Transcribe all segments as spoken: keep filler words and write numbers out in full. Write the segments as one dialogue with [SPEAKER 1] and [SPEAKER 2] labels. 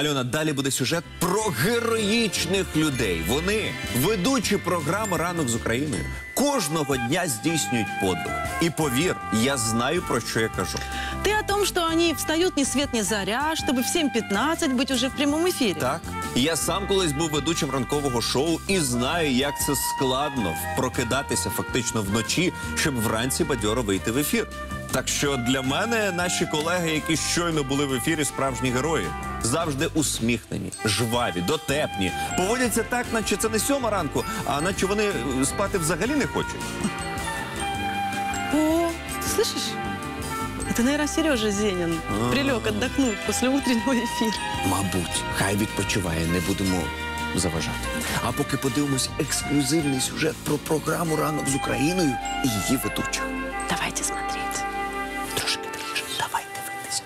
[SPEAKER 1] Альона, далі буде сюжет про героїчних людей. Вони, ведучі програми «Ранок з Україною», кожного дня здійснюють подвиг. І повір, я знаю, про що я кажу.
[SPEAKER 2] Ты о том, что они встают ни свет ни заря, чтобы в сім п'ятнадцять быть уже в прямом эфире?
[SPEAKER 1] Так. Я сам колись був ведучим ранкового шоу і знаю, як це складно прокидатися фактично вночі, щоб вранці бадьоро вийти в ефір. Так що для мене наші колеги, які щойно були в ефірі, справжні герої. Завжди усміхнені, жваві, дотепні. Поводяться так, наче це не сьома ранку, а наче вони спати взагалі не хочуть.
[SPEAKER 2] О, ты слышишь? Это, наверное, Сережа Зенин прилег отдохнуть после утреннего эфира.
[SPEAKER 1] Мабуть, хай відпочиває, не будемо заважати. А поки подивимось ексклюзивний сюжет про програму «Ранок з Україною» і її ведучих.
[SPEAKER 2] Давайте смотреть.
[SPEAKER 1] Трошки тихіше. Давай дивитися.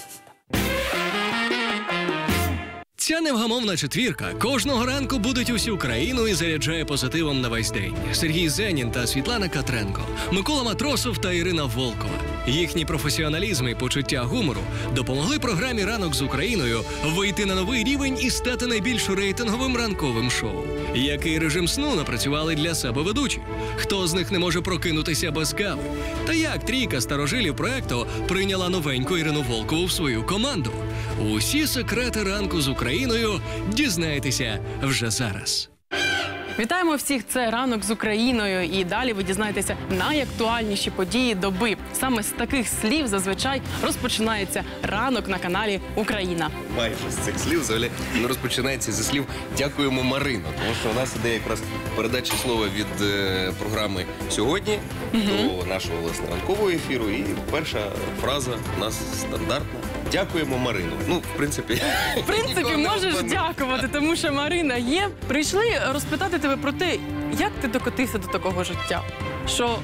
[SPEAKER 3] Ця невгамовна четвірка кожного ранку будить усю країну і заряджає позитивом на весь день. Сергій Зенін та Світлана Катренко, Микола Матросов та Ірина Волкова. Їхній професіоналізм і почуття гумору допомогли програмі «Ранок з Україною» вийти на новий рівень і стати найбільш рейтинговим ранковим шоу. Який режим сну напрацювали для себе ведучі? Хто з них не може прокинутися без кави? Та як трійка старожилів проекту прийняла новеньку Ірину Волкову в свою команду? Усі секрети «Ранку з Україною» дізнаєтеся вже зараз.
[SPEAKER 4] Вітаємо всіх, це «Ранок з Україною», і далі ви дізнаєтеся найактуальніші події доби. Саме з таких слів зазвичай розпочинається ранок на каналі «Україна».
[SPEAKER 5] Майже з цих слів взагалі не розпочинається зі слів «Дякуємо, Марино», тому що у нас іде якраз передача слова від е, програми «Сьогодні» угу. до нашого, власне, ранкового ефіру, і перша фраза у нас стандартна. Дякуємо, Марино. Ну, в принципі...
[SPEAKER 4] В принципі, можеш дякувати, тому що Марина є. Прийшли розпитати тебе про те, як ти докотився до такого життя. Що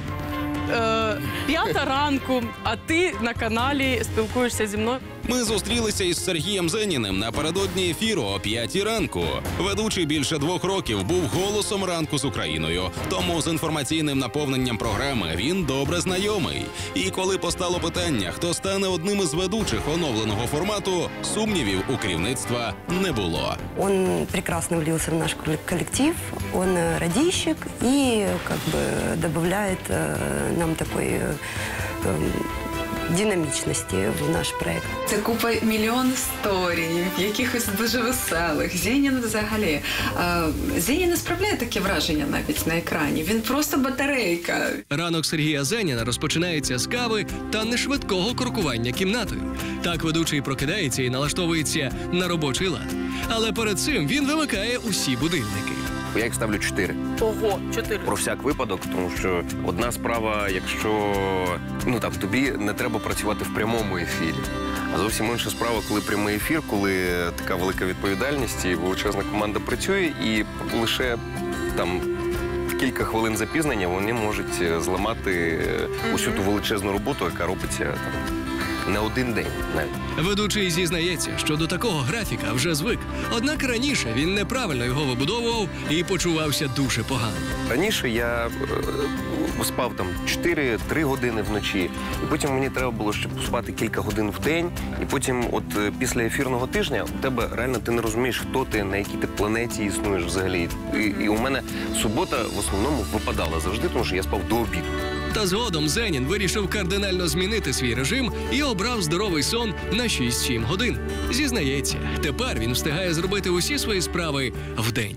[SPEAKER 4] е, п'ята ранку, а ти на каналі спілкуєшся зі мною.
[SPEAKER 6] Ми зустрілися із Сергієм Зеніним напередодні ефіру о п'ятій ранку. Ведучий більше двох років був голосом «Ранку з Україною», тому з інформаційним наповненням програми він добре знайомий. І коли постало питання, хто стане одним із ведучих оновленого формату, сумнівів у керівництва не було.
[SPEAKER 7] Он прекрасно влился в наш коллектив, он радищик и как бы добавляет э, нам такой... Э, э, динамічності в наш проєкт.
[SPEAKER 8] Це купа мільйон історій, якихось дуже веселих. Зенін взагалі. Зенін не справляє таке враження навіть на екрані. Він просто батарейка.
[SPEAKER 3] Ранок Сергія Зеніна розпочинається з кави та нешвидкого крокування кімнатою. Так ведучий прокидається і налаштовується на робочий лад. Але перед цим він вимикає усі будильники.
[SPEAKER 5] Я їх ставлю чотири.
[SPEAKER 4] Ого, чотири.
[SPEAKER 5] Про всяк випадок, тому що одна справа, якщо ну там тобі не треба працювати в прямому ефірі. А зовсім інша справа, коли прямий ефір, коли така велика відповідальність і величезна команда працює, і лише там кілька хвилин запізнення вони можуть зламати усю ту величезну роботу, яка робиться там не один день навіть.
[SPEAKER 3] Ведучий зізнається, що до такого графіка вже звик. Однак раніше він неправильно його вибудовував і почувався дуже погано.
[SPEAKER 5] Раніше я е, спав там чотири-три години вночі, і потім мені треба було ще спати кілька годин в день, і потім от е, після ефірного тижня у тебе реально ти не розумієш, хто ти, на якій ти планеті існуєш взагалі. І, і у мене субота в основному випадала завжди, тому що я спав до обіду.
[SPEAKER 3] Та згодом Зенін вирішив кардинально змінити свій режим і обрав здоровий сон на шість-сім годин. Зізнається, тепер він встигає зробити усі свої справи вдень.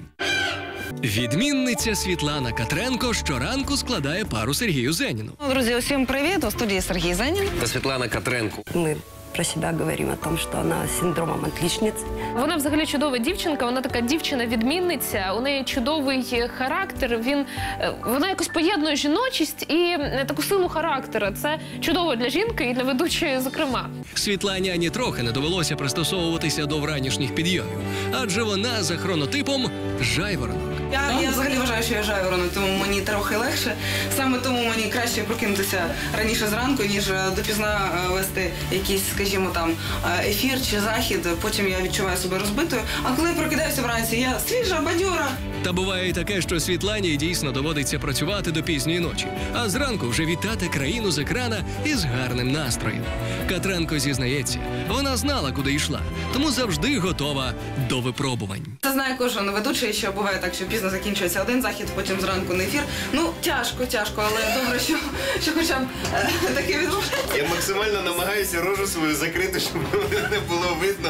[SPEAKER 3] Відмінниця Світлана Катренко щоранку складає пару Сергію Зеніну.
[SPEAKER 9] Друзі, усім привіт! У студії Сергій Зенін.
[SPEAKER 5] Та Світлана Катренко.
[SPEAKER 7] Ми про себе говоримо о том, що вона з синдромом отличниці.
[SPEAKER 10] Вона взагалі чудова дівчинка, вона така дівчина-відмінниця, у неї чудовий характер, він, вона якось поєднує жіночість і таку силу характера. Це чудово для жінки і для ведучої, зокрема.
[SPEAKER 3] Світлані ані трохи не довелося пристосовуватися до вранішніх підйомів, адже вона за хронотипом жайворонок.
[SPEAKER 9] Я, я взагалі вважаю, що я жайворонок, тому мені трохи легше. Саме тому мені краще прокинутися раніше зранку, ніж допізна е, вести якийсь, скажімо, там е, ефір чи захід. Потім я відчуваю себе розбитою. А коли я прокидаюся вранці, я свіжа, бадьора.
[SPEAKER 3] Та буває і таке, що Світлані дійсно доводиться працювати до пізньої ночі, а зранку вже вітати країну з екрана із гарним настроєм. Катренко зізнається, вона знала, куди йшла, тому завжди готова до випробувань.
[SPEAKER 9] Це знає кожен ведучий, що буває так, що пізно закінчується один захід, потім зранку на ефір. Ну, тяжко, тяжко, але добре, що, що хоча б е, таке відбувається.
[SPEAKER 5] Я максимально намагаюся рожу свою закрити, щоб мене не було видно.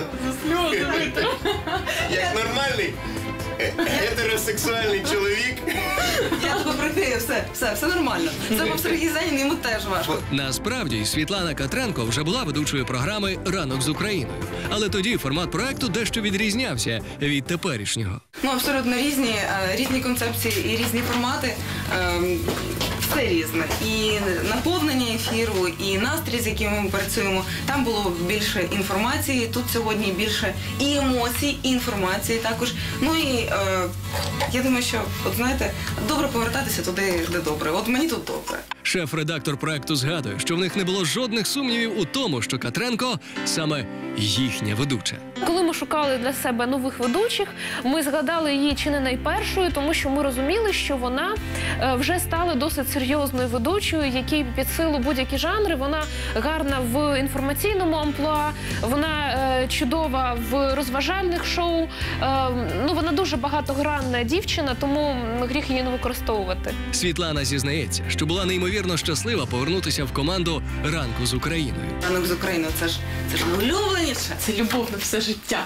[SPEAKER 5] Як нормальний гетеросексуальний чоловік.
[SPEAKER 9] Я тебе прикрию, все, все, все нормально. Це був Сергій Зенін, йому теж важко.
[SPEAKER 3] Насправді, Світлана Катренко вже була ведучою програми «Ранок з Україною». Але тоді формат проекту дещо відрізнявся від теперішнього.
[SPEAKER 9] Ну, абсолютно різні, е, різні концепції і різні формати. Е, все різне. І наповнення ефіру, і настрій, з яким ми працюємо. Там було більше інформації, тут сьогодні більше і емоцій, і інформації також. Ну і е, я думаю, що, от знаєте, добре повертатися туди, де добре. От мені тут добре.
[SPEAKER 3] Шеф-редактор проекту згадує, що в них не було жодних сумнівів у тому, що Катренко саме їхня ведуча.
[SPEAKER 10] Коли ми шукали для себе нових ведучих, ми згадали її чи не найпершою, тому що ми розуміли, що вона е, вже стала досить серйозною ведучою, якій під силу будь-які жанри. Вона гарна в інформаційному амплуа, вона е, чудова в розважальних шоу. Е, ну, вона дуже багатогранна дівчина, тому гріх її не використовувати.
[SPEAKER 3] Світлана зізнається, що була неймовірно щаслива повернутися в команду «Ранку з Україною».
[SPEAKER 9] «Ранок з Україною» – це ж, це ж найулюбленіше.
[SPEAKER 4] Це любов на все життя.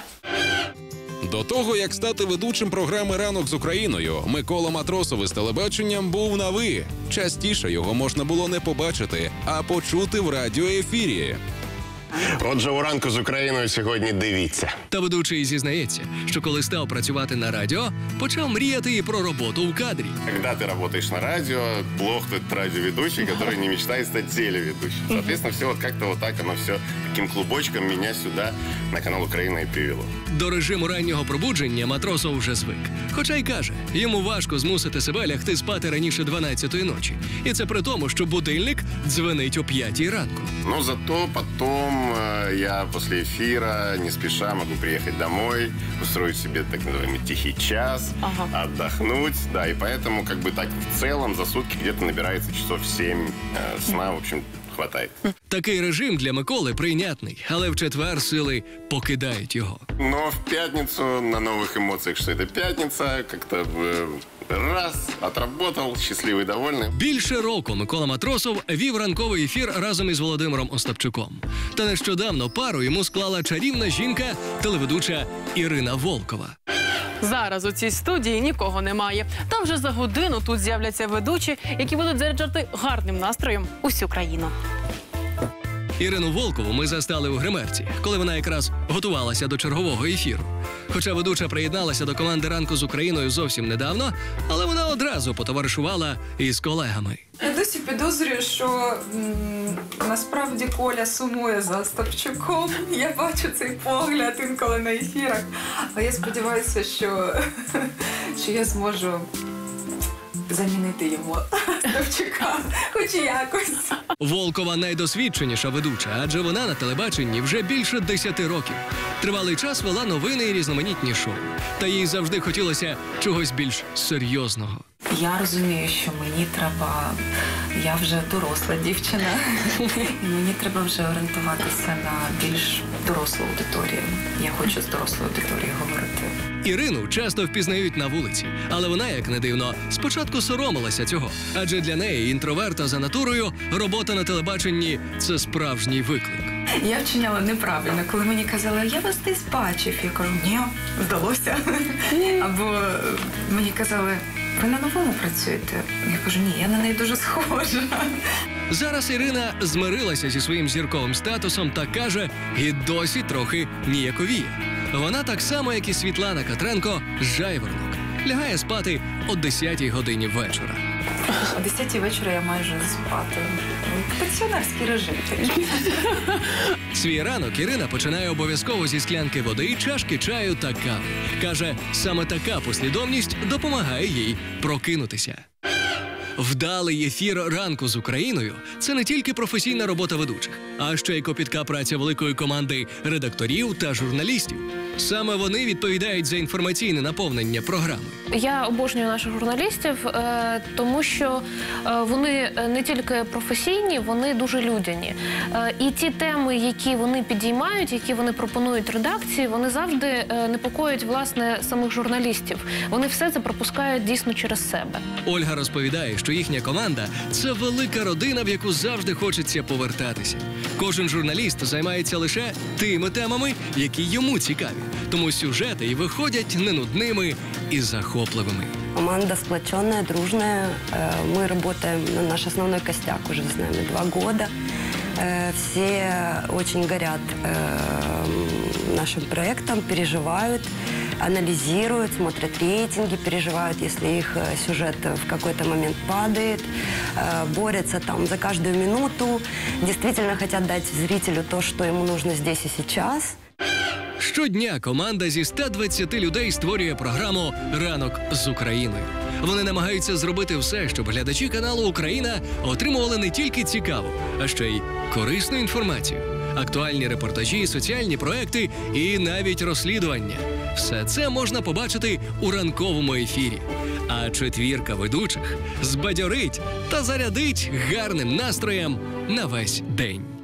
[SPEAKER 6] До того, як стати ведучим програми «Ранок з Україною», Микола Матросов із телебаченням був на «ви». Частіше його можна було не побачити, а почути в радіоефірі.
[SPEAKER 5] Отже, у «Ранку з Україною» сьогодні дивіться.
[SPEAKER 3] Та ведучий зізнається, що коли став працювати на радіо, почав мріяти і про роботу в кадрі.
[SPEAKER 5] Когда ты работаешь на радио, плох тот радиоведущий, который не мечтает стать телеведущим. Соответственно, все вот как-то вот так, оно все таким клубочком меня сюда, на канал «Украина» и привело.
[SPEAKER 3] До режиму раннього пробудження Матросов вже звик. Хоча й каже, йому важко змусити себе лягти спати раніше дванадцятої ночі. І це при тому, що будильник дзвенить о п'ятій ранку.
[SPEAKER 5] Но зато потом э, я после эфира не спеша могу приехать домой, устроить себе так называемый тихий час,
[SPEAKER 4] Ага.
[SPEAKER 5] отдохнуть. Да, и поэтому как бы так в целом за сутки где-то набирается часов семь э, сна, в общем, хватает.
[SPEAKER 3] Такий режим для Миколи прийнятний, але в четвер сили покидають його.
[SPEAKER 5] Но в пятницу на новых эмоциях, что это пятница, как-то э, раз, отработал, счастливый, довольный.
[SPEAKER 3] Більше року Микола Матросов вів ранковий ефір разом із Володимиром Остапчуком. Та нещодавно пару йому склала чарівна жінка, телеведуча Ірина Волкова.
[SPEAKER 4] Зараз у цій студії нікого немає. Та вже за годину тут з'являться ведучі, які будуть заряджати гарним настроєм усю країну.
[SPEAKER 3] Ірину Волкову ми застали у гримерці, коли вона якраз готувалася до чергового ефіру. Хоча ведуча приєдналася до команди «Ранку з Україною» зовсім недавно, але вона одразу потоваришувала із колегами.
[SPEAKER 11] Я досі підозрюю, що м, насправді Коля сумує за Остапчуком. Я бачу цей погляд інколи на ефірах. А я сподіваюся, що, що я зможу замінити його Остапчука, хоч якось.
[SPEAKER 3] Волкова найдосвідченіша ведуча, адже вона на телебаченні вже більше десяти років. Тривалий час вела новини і різноманітні шоу. Та їй завжди хотілося чогось більш серйозного.
[SPEAKER 11] Я розумію, що мені треба, я вже доросла дівчина, і мені треба вже орієнтуватися на більш дорослу аудиторію. Я хочу з дорослою аудиторією говорити.
[SPEAKER 3] Ірину часто впізнають на вулиці, але вона, як не дивно, спочатку соромилася цього. Адже для неї, інтроверта за натурою, робота на телебаченні – це справжній виклик.
[SPEAKER 11] Я вчиняла неправильно, коли мені казали, я вас десь бачив. Я кажу, ні, вдалося. Або мені казали, ви на новому працюєте? Я кажу, ні, я на неї дуже схожа.
[SPEAKER 3] Зараз Ірина змирилася зі своїм зірковим статусом та каже, і досі трохи ніяковіє. Вона так само, як і Світлана Катренко, жайворонок. Лягає спати о десятій годині вечора.
[SPEAKER 11] О десятій вечора я майже спати. Пенсіонерський режим такий.
[SPEAKER 3] Свій ранок Ірина починає обов'язково зі склянки води, чашки чаю та кави. Каже, саме така послідовність допомагає їй прокинутися. Вдалий ефір «Ранку з Україною» – це не тільки професійна робота ведучих, а ще й копітка праця великої команди редакторів та журналістів. Саме вони відповідають за інформаційне наповнення програми.
[SPEAKER 10] Я обожнюю наших журналістів, е, тому що е, вони не тільки професійні, вони дуже людяні. Е, і ті теми, які вони підіймають, які вони пропонують редакції, вони завжди е, непокоять, власне, самих журналістів. Вони все це пропускають дійсно через себе.
[SPEAKER 3] Ольга розповідає, що їхня команда – це велика родина, в яку завжди хочеться повертатися. Кожен журналіст займається лише тими темами, які йому цікаві. Тому сюжети і виходять не нудними і захопливими.
[SPEAKER 7] Команда сплоченная, дружная. Э, Мы работаем на наш основной костяк уже с нами два года. Э, Все очень горят э, нашим проектом, переживают, анализируют, смотрят рейтинги, переживают, если их э, сюжет в какой-то момент падает, э, борются там за каждую минуту, действительно хотят дать зрителю то, что ему нужно здесь и сейчас.
[SPEAKER 3] Щодня команда зі ста двадцяти людей створює програму «Ранок з Україною». Вони намагаються зробити все, щоб глядачі каналу «Україна» отримували не тільки цікаву, а ще й корисну інформацію. Актуальні репортажі, соціальні проекти і навіть розслідування. Все це можна побачити у ранковому ефірі. А четвірка ведучих збадьорить та зарядить гарним настроєм на весь день.